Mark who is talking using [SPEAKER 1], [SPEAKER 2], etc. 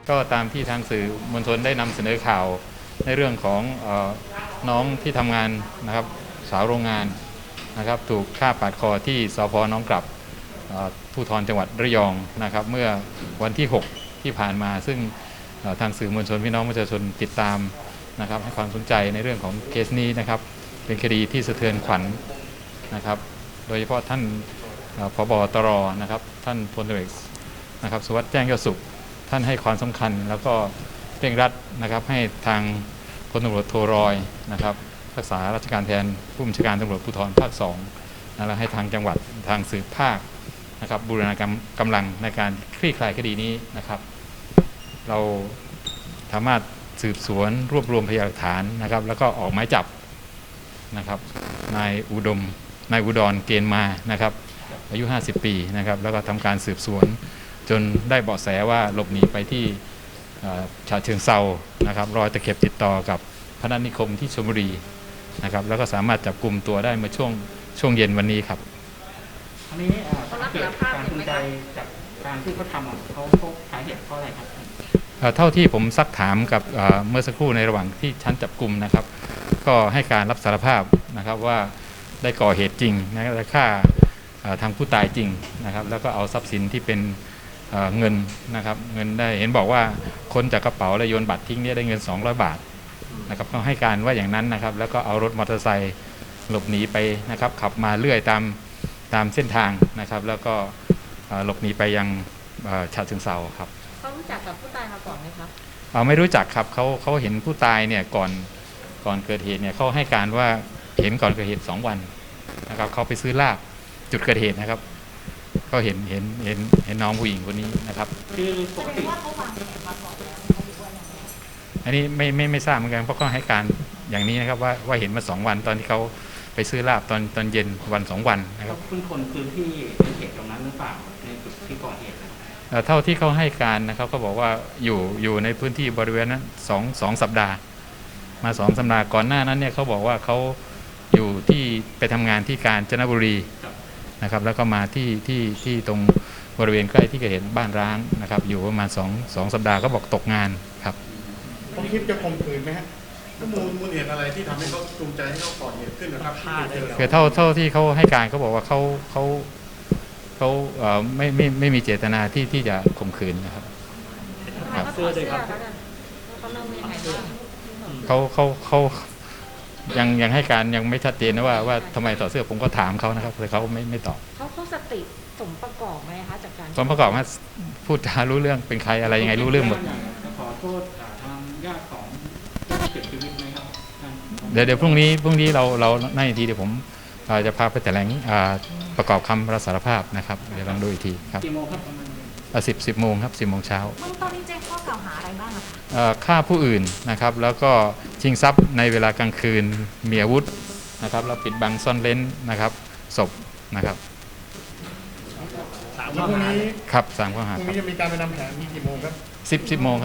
[SPEAKER 1] ก็ตามที่ทางสื่อมวลชนได้นำเสนอข่าวในเรื่องของน้องที่ทำงานนะครับสาวโรงงานนะครับถูกฆ่าปาดคอที่สพ.หนองกลับภูธรจังหวัดระยองนะครับเมื่อวันที่ 6 ที่ผ่านมาซึ่งทางสื่อมวลชนพี่น้องประชาชนติดตามนะครับให้ความสนใจในเรื่องของเคสนี้นะครับเป็นคดีที่สะเทือนขวัญนะครับโดยเฉพาะท่านผบ.ตร.นะครับท่านพลตรีนะครับสุวัสดิ์แจ้งยอดสุขท่านให้ความสำคัญแล้วก็เร่งรัดนะครับให้ทางพลตำรวจโทรอยนะครับรักษาราชการแทนผู้บัญชาการตำรวจภูธรภาค2และให้ทางจังหวัดทางสืบภาคนะครับบูรณาการกำลังในการคลี่คลายคดีนี้นะครับเราสามารถสืบสวนรวบรวมพยานหลักฐานนะครับแล้วก็ออกหมายจับนะครับนายอุดรเกณฑ์มานะครับอายุ 50 ปีนะครับแล้วก็ทำการสืบสวนจนได้เบาะแสว่าหลบหนีไปที่ฉะเชิงเทรานะครับรอยตะเข็บติดต่อกับพนัสนิคมที่ชลบุรีนะครับแล้วก็สามารถจับกลุ่มตัวได้เมื่อช่วงเย็นวันนี้ครับ
[SPEAKER 2] อันนี้เขารับสารภาพจูงใจจากการที่เขาทำเขาสาเหตุเพราะอะไรครับ
[SPEAKER 1] เท่าที่ผมซักถามกับเมื่อสักครู่ในระหว่างที่ชั้นจับกลุ่มนะครับก็ให้การรับสารภาพนะครับว่าได้ก่อเหตุจริงนะและฆ่าทางผู้ตายจริงนะครับแล้วก็เอาทรัพย์สินที่เป็นเงินนะครับเงินได้เห็นบอกว่าค้นจากกระเป๋าและโยนบัตรทิ้งเนี่ยได้เงิน200 บาทนะครับก็ให้การว่าอย่างนั้นนะครับแล้วก็เอารถมอเตอร์ไซค์หลบหนีไปนะครับขับมาเรื่อยตามเส้นทางนะครับแล้วก็หลบหนีไปยังฉะเชิงเทราครับ
[SPEAKER 3] เขารู้จักกับผู้ตายมาก่อนไหมครับ
[SPEAKER 1] ไม่รู้จักครับเขาเห็นผู้ตายเนี่ยก่อนเกิดเหตุเนี่ยเขาให้การว่าเห็นก่อนเกิดเหตุ2 วันนะครับเขาไปซื้อลาบจุดเกิดเหตุนะครับก็เห็นน้องผู้หญิงคนนี้นะครับ
[SPEAKER 3] คือปกติว่าเขาวางแผนมาก่อนแล้ว
[SPEAKER 1] อันนี้ไม่ทราบเหมือนกันเพราะเขาให้การอย่างนี้นะครับว่าเห็นมา2 วันตอนที่เขาไปซื้อลาบตอนเย็นวัน2 วันนะครับ
[SPEAKER 2] เพิ่งคนพื้นที่ในเขตตรงนั้นหรือเปล่าในจุดที่ก่อเหตุ
[SPEAKER 1] เท่าที่เขาให้การนะครับเขาบอกว่าอยู่ในพื้นที่บริเวณนั้นสองสัปดาห์มา2 สัปดาห์ก่อนหน้านั้นเนี่ยเขาบอกว่าเขาอยู่ที่ไปทำงานที่กาญจนบุรีนะครับแล้วก็มาที่ตรงบริเวณใกล้ที่เกิดเหตุบ้านร้างนะครับอยู่ประมาณ2 สัปดาห์ก็บอกตกงานครับ
[SPEAKER 4] ต้องคิดจะข่มขืนไหมฮะมูลเหตุอะไรที่ทำให้เขาจูงใจให้เขาก่อเหตุขึ้นนะครับ
[SPEAKER 1] คือเท่าที่เขาให้การเขาบอกว่าเขาไม่มีเจตนาที่จะข่มขืนนะครับ
[SPEAKER 3] เสื้อเลยครับ
[SPEAKER 1] เขายังให้การยังไม่ชัดเจนนะว่าทำไมต่อเสื้อผมก็ถามเขานะครับแต่เขาไม่ตอบ
[SPEAKER 3] เขาสติสมประกอบไหมคะจากการ
[SPEAKER 1] สมประกอบว่าพูดจารู้เรื่องเป็นใครอะไรยังไงรู้เรื่องหมด
[SPEAKER 2] ขอโทษทางญาติของเสียชีวิตไหมครับ
[SPEAKER 1] เดี๋ยวพรุ่งนี้เราในทีเดี๋ยวผมจะพาไปแถลงประกอบคำรับสารภาพนะครับเดี๋ยวลองดูอีกทีครับ
[SPEAKER 2] กี่โมงครับ
[SPEAKER 1] 10 โมงครับ10 โมงเช้า
[SPEAKER 3] เบื้องต้นนี้แจ้งข้อกล่าวหาอะไรบ้าง
[SPEAKER 1] ฆ่าผู้อื่นนะครับแล้วก็ชิงทรัพย์ในเวลากลางคืนมีอาวุธนะครับแล้วปิดบังซ่อนเร้นนะครับศพนะครับ
[SPEAKER 4] 3 ข้อหา
[SPEAKER 1] ครับ3 ข้อหา
[SPEAKER 4] พรุ่งนี้จะมีการไปนำแผนกี่โมงครับ
[SPEAKER 1] 10 โมง